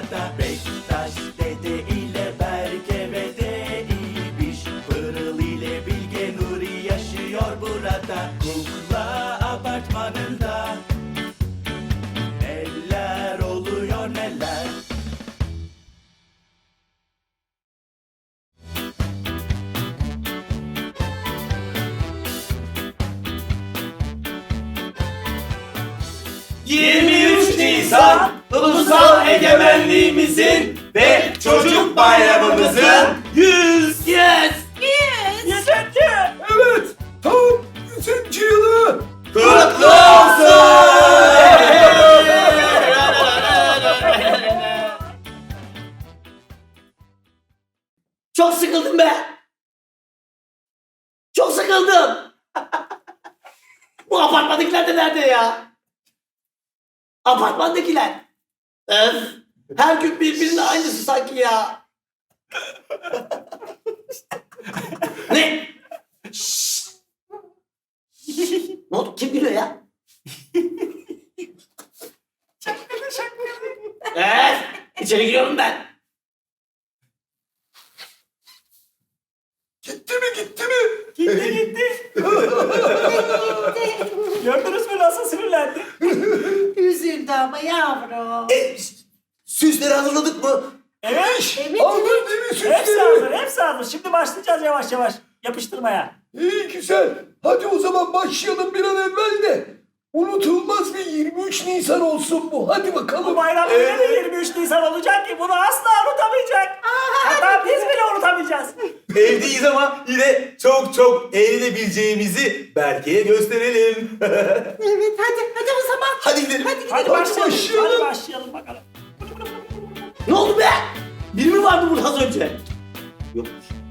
burada. Bektaş dede ile Berke ve de İbiş, Pırıl ile Bilge Nuri yaşıyor burada. Kukla apartmanında neler oluyor neler. Nisan Ulusal Egemenliğimizin ve Çocuk Bayramımızın 100. Evet, tam 100. yılı. Kutlu olsun. Çok sıkıldım be. Çok sıkıldım. Bu apartmandakiler de nerede ya? Apartmandakiler. Öf. Her gün birbirinin aynısı sanki ya. Ne? Şşş. Ne oldu? Kim gülüyor ya? Evet. İçeri giriyorum ben. Gitti mi? Gitti. Gördünüz mü nasıl sinirlendi? Üzüldü ama yavrum. Süsleri hazırladık mı? Evet. Evet, Aldın değil mi Hepsi süsleri? hazır, hepsi hazır. Şimdi başlayacağız yavaş yavaş yapıştırmaya. İyi güzel. Hadi o zaman başlayalım bir an evvel de. Unutulmaz bir 23 Nisan olsun bu. Hadi Bu bakalım. bayram yine de 23 Nisan olacak ki bunu asla unutamayacak. Hatta biz bile unutamayacağız. Evdeyiz ama yine çok eğlenebileceğimizi Berke'ye gösterelim. Evet, hadi o zaman. Hadi gidelim. Hadi başlayalım. Hadi başlayalım bakalım. Ne oldu be? Biri mi vardı burada az önce? Yokmuş.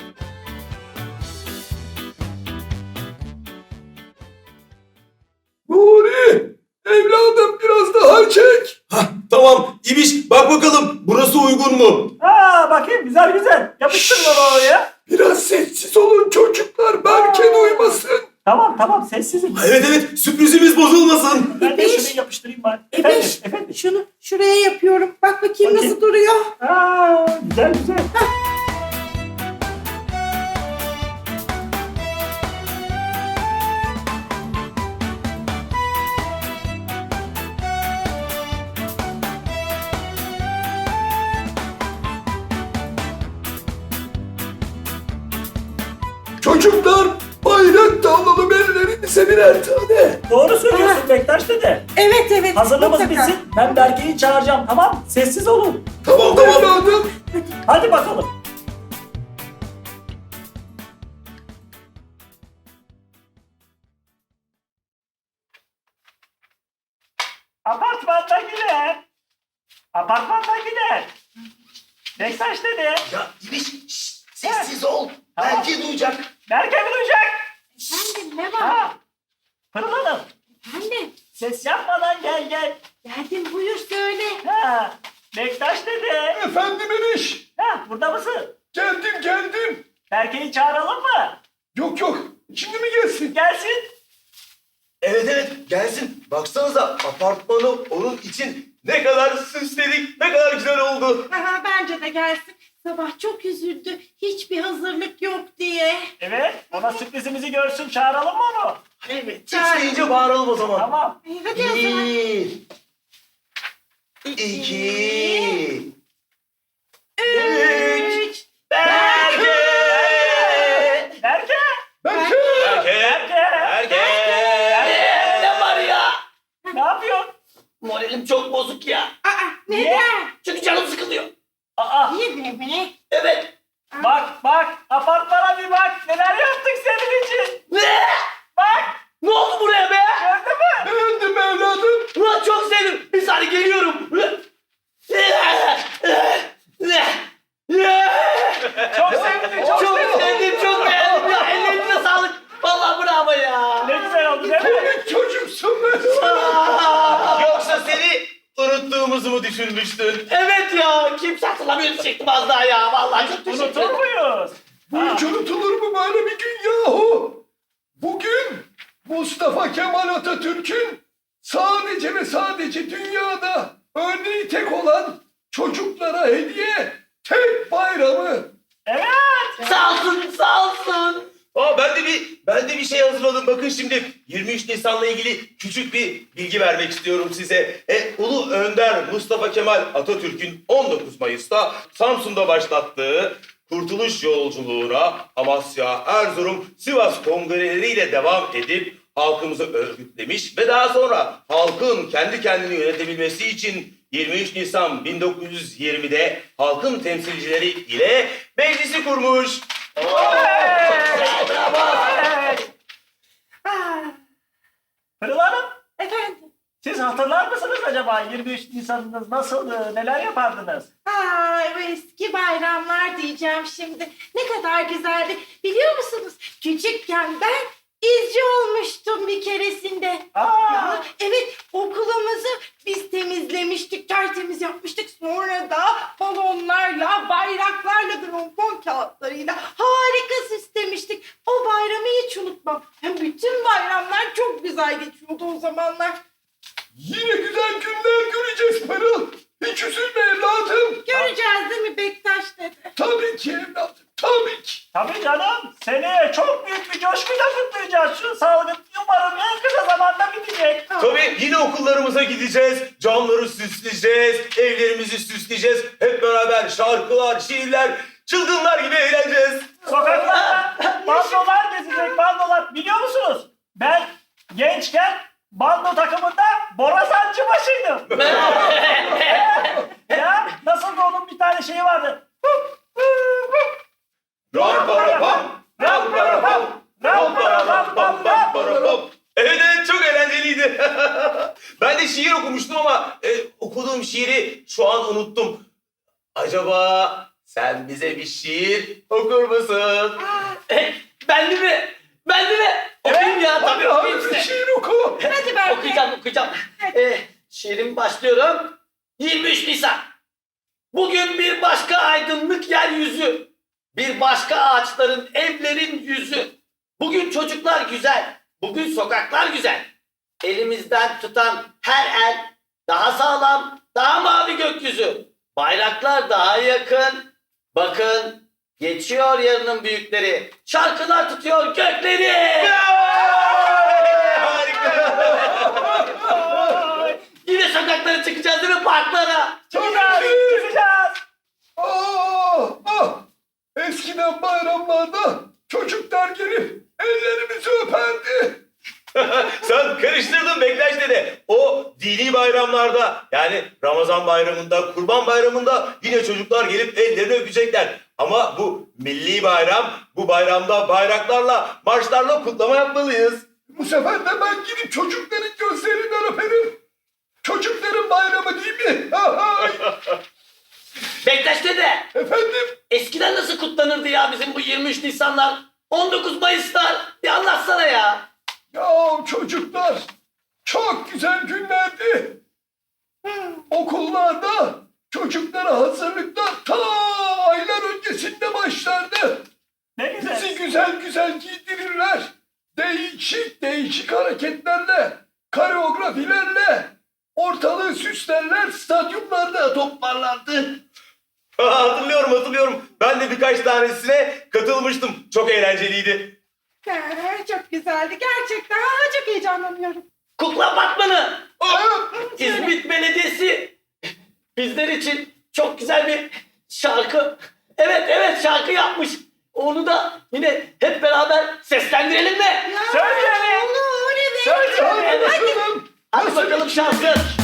Nuri, evladım biraz daha çek. Tamam İbiş bak bakalım burası uygun mu? Bakayım güzel. Yapıştır baba oraya. Biraz sessiz olun çocuklar. Berke duymasın. Tamam sessizim. Evet sürprizimiz bozulmasın. Ben de Ebeş. şunu yapıştırayım bari. Ebeş, Efendim. şunu şuraya yapıyorum. Bak bakayım Bakayım. nasıl duruyor. Güzel. Çocuklar bayrak da alalım ellerinize birer tane. Doğru söylüyorsun Bektaş dede. Evet. Hazırlaması mutlaka. bitsin. Ben Berke'yi çağıracağım tamam. Sessiz olun. Tamam evladım. Hadi bakalım. Apartmandakiler. Bektaş dede. Ya İbiş sessiz ol. Tamam. Belki duyacak. Berke mi duyacak? Efendim ne var? Pırıl Hanım. Efendim. Ses yapmadan gel. Geldim buyur söyle. Bektaş dede. Efendim Ebiş. Burada mısın? Geldim. Berke'yi çağıralım mı? Yok şimdi mi gelsin? Gelsin. Evet gelsin. Baksanıza apartmanı onun için ne kadar süsledik, ne kadar güzel oldu. Aha, bence de gelsin. Sabah çok üzüldü. Hiçbir hazırlık yok diye. Evet. Ona sürprizimizi görsün. Çağıralım mı onu? Evet. Üç deyince bağıralım o zaman. Tamam. Hadi o zaman. 1, 2, 3. Berke! Berke! Berke. Berke! Ne var ya? Ne yapıyorsun? Moralim çok bozuk ya. Aa, neden? Çünkü canım sıkılıyor. Niye be? Evet. Bak. Apartmana bir bak. Neler yaptık senin için. Ne? Bak. Ne oldu buraya be? Gördün mü? Beğendim evladım. Ulan çok sevdim. Bir saniye geliyorum. Çok sevdim. Çok sevdim, çok beğendim ya. Ellerinize sağlık. Vallahi bravo ya. Ne güzel oldu değil mi? Komik çocuksun ben. Yoksa seni unuttuğumuzu mu düşünmüştün? Evet ya. Kimse hatırlamıyor diyecektim az daha ya. Vallahi çok teşekkür Unutur ederim. muyuz? Bu hiç unutulur mu böyle bir gün yahu? Bugün Mustafa Kemal Atatürk'ün sadece ve sadece dünyada örneği tek olan çocuklara hediye tek bayramı. Evet. Sağ olsun, sağ olsun. Aa, ben de bir şey hazırladım. Bakın şimdi 23 Nisan'la ilgili küçük bir bilgi vermek istiyorum size. Ulu Önder Mustafa Kemal Atatürk'ün 19 Mayıs'ta Samsun'da başlattığı Kurtuluş Yolculuğuna Amasya, Erzurum, Sivas kongreleriyle devam edip halkımızı örgütlemiş ve daha sonra halkın kendi kendini yönetebilmesi için 23 Nisan 1920'de halkın temsilcileri ile meclisi kurmuş. Evet. Pırıl Hanım, Efendim? siz hatırlar mısınız acaba 23 Nisan'ınız nasıldı, neler yapardınız? Ay bu eski bayramlar diyeceğim şimdi. Ne kadar güzeldi. Biliyor musunuz? Küçükken ben izci olmuştum bir keresinde. Ya, evet, okulumuzu biz temizlemiştik, tertemiz yapmıştık. Sonra da balonlarla, bayraklarla, trompon kağıtlarıyla harika süslemiştik. O bayramı hiç unutmam. Hem bütün bayramlar çok güzel geçiyordu o zamanlar. Yine güzel günler göreceğiz Pırıl. Hiç üzülme evladım. Göreceğiz değil mi Bektaş dede? Tabii ki evladım, tabii ki. Tabii canım, seneye çok büyük bir coşkuyla kutlayacağız şu salgın. Umarım en kısa zamanda bitecek. Tabii yine okullarımıza gideceğiz, camları süsleyeceğiz, evlerimizi süsleyeceğiz. Hep beraber şarkılar, şiirler, çılgınlar gibi eğleneceğiz. Sokaklarda bandolar gezecek, bandolar. Biliyor musunuz? Ben gençken bando takımında borazancı başıydım. Ya nasıl da onun bir tane şeyi vardı. Ram para pam, ram para pam, ram para pam pam pam para pam. Evet evet, çok eğlenceliydi. Ben de şiir okumuştum ama okuduğum şiiri şu an unuttum. Acaba sen bize bir şiir okur musun? Ben de mi? Ben de mi? Okuyayım ya, tabii Hadi okuyayım bir size. şiir oku. Hadi ben Okuyacağım. Şiirim başlıyorum. 23 Nisan. Bugün bir başka aydınlık yeryüzü. Bir başka ağaçların, evlerin yüzü. Bugün çocuklar güzel. Bugün sokaklar güzel. Elimizden tutan her el daha sağlam, daha mavi gökyüzü. Bayraklar daha yakın. Bakın geçiyor yarının büyükleri. Şarkılar tutuyor gökleri. Yine sokaklara çıkacağız değil mi, parklara? Çıkacağız, çıkacağız. Eskiden bayramlarda çocuklar gelip ellerimizi öperdi. Sen karıştırdın Bektaş dede. O dini bayramlarda, yani Ramazan bayramında, Kurban bayramında yine çocuklar gelip ellerini öpecekler. Ama bu milli bayram, bu bayramda bayraklarla, marşlarla kutlama yapmalıyız. Bu sefer de ben gidip çocukların gözlerinden öperim. Çocukların bayramı değil mi? Bektaş dede, Efendim? eskiden nasıl kutlanırdı ya bizim bu 23 Nisanlar, 19 Mayıslar? Bir anlatsana ya. Ya çocuklar, çok güzel günlerdi. Okullarda çocuklara hazırlıklar ta aylar öncesinde başlardı. Ne güzel. Bizi güzel güzel giydirirler. Değişik değişik hareketlerle, koreografilerle ortalığı süslerler, stadyumlarda toplarlardı. Hatırlıyorum. Ben de birkaç tanesine katılmıştım. Çok eğlenceliydi. Çok güzeldi gerçekten. Çok heyecanlanıyorum. Kukla Batmanı, Aa, İzmit Belediyesi bizler için çok güzel bir şarkı. Evet şarkı yapmış. Onu da yine hep beraber seslendirelim mi? Ya, Söyleyelim. olur evet. Söyleyelim. Evet. Hadi bakalım şarkı.